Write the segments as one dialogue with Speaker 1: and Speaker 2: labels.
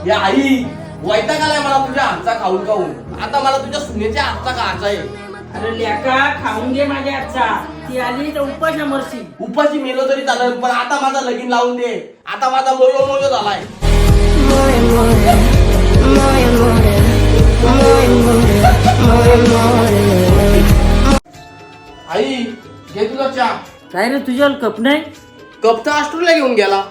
Speaker 1: या आई वैताग आलाय मला तुझ्या हातचा खाऊन खाऊन. आता मला तुझ्या सुनेच्या हातचा खायचा आहे.
Speaker 2: अरे लेका खाऊन घे माझ्या हातचा. ती आली तर उपाशी मरशी.
Speaker 1: उपाशी मेलो तरी चालेल, पण आता माझा लगीन लावून दे. आता माझा मोयो मोयो झालाय. आई घे तुझा चहा.
Speaker 2: काय रे तुझ्यावर कप नाही?
Speaker 1: कप तर ऑस्ट्रेलिया घेऊन गेला.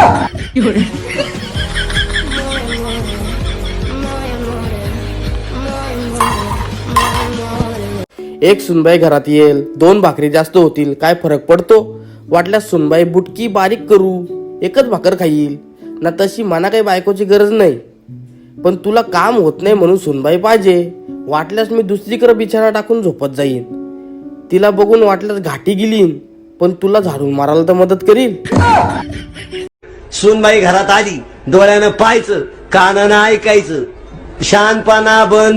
Speaker 1: एक सुनबाई घरात येईल, 2 भाकरी जास्त होतील, काय फरक पडतो? वाटल्यास सुनबाई बुटकी बारीक करू, एकच भाकर खाईल ना. तशी मना काही बायकोची गरज नाही, पण तुला काम होत नाही म्हणून सुनबाई पाहिजे. वाटल्यास मी दुसरीकडे बिछाना टाकून झोपत जाईन. तिला बघून वाटल्यास घाटी गेलीन, पण तुला झाडून मारायला तर मदत करील.
Speaker 3: सुनबाई घरात आली, डोळ्यानं पाहायचं, कानानं ऐकायचं, शानपणा बंद.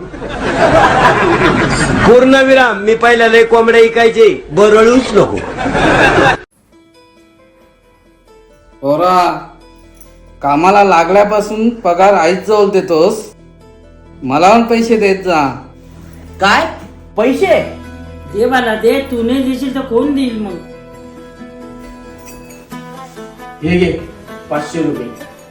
Speaker 3: पूर्ण विराम. मी पहिल्या लय कोंबड्या ऐकायचे, बरळूच नको.
Speaker 4: पोरा, कामाला लागल्यापासून पगार आईच जवळ देतोस, मला पण पैसे देत जा.
Speaker 1: काय पैसे?
Speaker 2: दे मला दे. तू नाही देशील तर कोण देईल मग?
Speaker 1: हे घे 500 रुपये.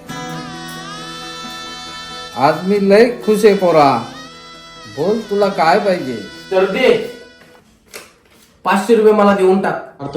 Speaker 4: आज मी लय खुश आहे पोरा. बोल तुला काय पाहिजे?
Speaker 1: तर दे 500 रुपये मला देऊन टाक.